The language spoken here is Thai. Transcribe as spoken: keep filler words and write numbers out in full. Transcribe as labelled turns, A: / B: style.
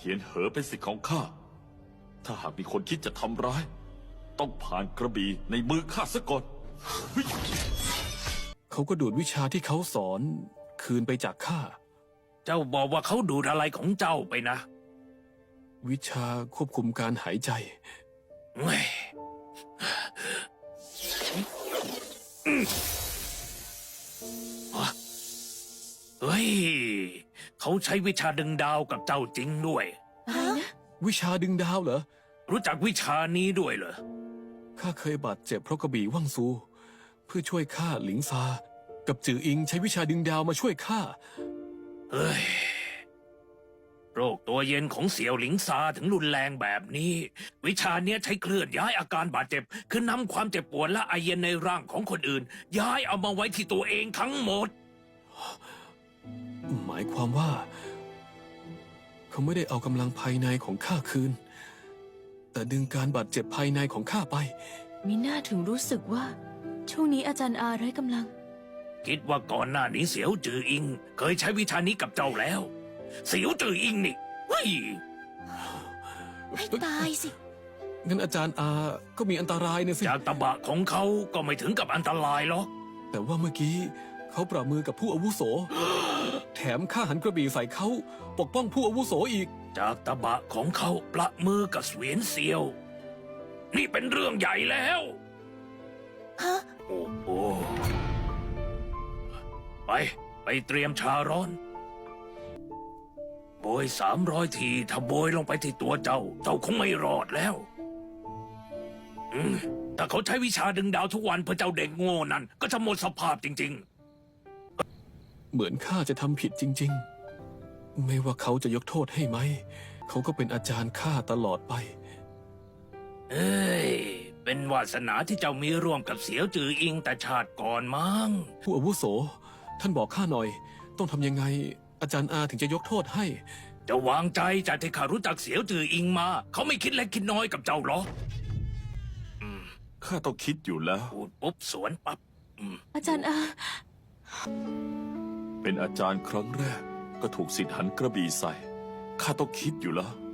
A: ทียนเหอเป็นสิทธิ์ของข้าถ้าหากมีคนคิดจะทำร้ายต้องผ่านกระบี่ในมือข้าซะก่อน
B: เขาก็ดูดวิชาที่เขาสอนคืนไปจากข้า
C: เจ้าบอกว่าเขาดูดอะไรของเจ้าไปนะ
B: วิชาควบคุมการหายใจ
C: เฮ้ยเฮ้ย เขาใช้วิชาดึงดาวกับเจ้าจริงด้วย
D: อะไรนะ
B: วิชาดึงดาวเหรอ
C: รู้จักวิชานี้ด้วยเหรอ
B: ข้าเคยบาดเจ็บเพราะกระบี่ว่างซู เพื่อช่วยข้าหลิงซา กับจืออิงใช้วิชาดึงดาวมาช่วยข้า
C: เฮ้ย โรคตัวเย็นของเสี่ยวหลิงซาถึงรุนแรงแบบนี้ วิชาเนี้ยใช้เคลื่อนย้ายอาการบาดเจ็บ คือนำความเจ็บปวดและไอเย็นในร่างของคนอื่น ย้ายเอามาไว้ที่ตัวเองทั้งหมด
B: หมายความว่า เขาไม่ได้เอากำลังภายในของข้าคืน แต่ดึงการบาดเจ็บภายในของข้าไป
D: มิน่าถึงรู้สึกว่า ช่วงนี้อาจารย์อาไร้กำลัง
C: คิดว่าก่อนหน้านี้เสี่ยวจืออิง เคยใช้วิชานี้กับเจ้าแล้ว เสี่ยวจืออิงนี่เฮ้ย
D: ให้ตายสิ
B: งั้นอาจารย์อาก็มีอันตรายนะสิ
C: จากตะบะของเขาก็ไม่ถึงกับอันตรายหรอก
B: แต่ว่าเมื่อกี้เขาปรามือกับผู้อาวุโส แถมข้าหันกระบี่ใส่เขาปกป้องผู้อาวุโสอีก
C: จากตะบะของเขาประมือกับเสวียนเซียว นี่เป็นเรื่องใหญ่แล้ว
D: ฮะ
C: โอ้โหไป ไปเตรียมชาร้อนโบยสามร้อยทีถ้าโบยลงไปที่ตัวเจ้า เจ้าคงไม่รอดแล้ว อืมถ้าเขาใช้วิชาดึงดาวทุกวันเพื่อเจ้าเด็กโง่นั่น ก็จะหมดสภาพจริง
B: เหมือนข้าจะทำผิดจริง ๆ ไม่ว่าเขาจะยกโทษให้ไหม เขาก็เป็นอาจารย์ข้าตลอดไป
C: ๆ เอ้ย เป็นวาสนาที่เจ้ามีร่วมกับเสียวจืออิงแต่ชาติก่อนมั้ง
B: ผู้อาวุโส ท่านบอกข้าหน่อย ต้องทำยังไง อาจารย์อาถึงจะยกโทษให้
C: จะวางใจจากที่ข้ารู้จักเสียวจืออิงมา เขาไม่คิดเล็กคิดน้อยกับเจ้าหรอก
A: ข้าต้องคิดอยู่แล้ว
C: พูดปุ๊บสวนปับ๊บอืม
D: อาจารย์อา
A: เป็นอาจารย์ครั้งแรก ก็ถูกสิทธิ์หันกระบี่ใส่ข้าต้องคิดอยู่แล้ว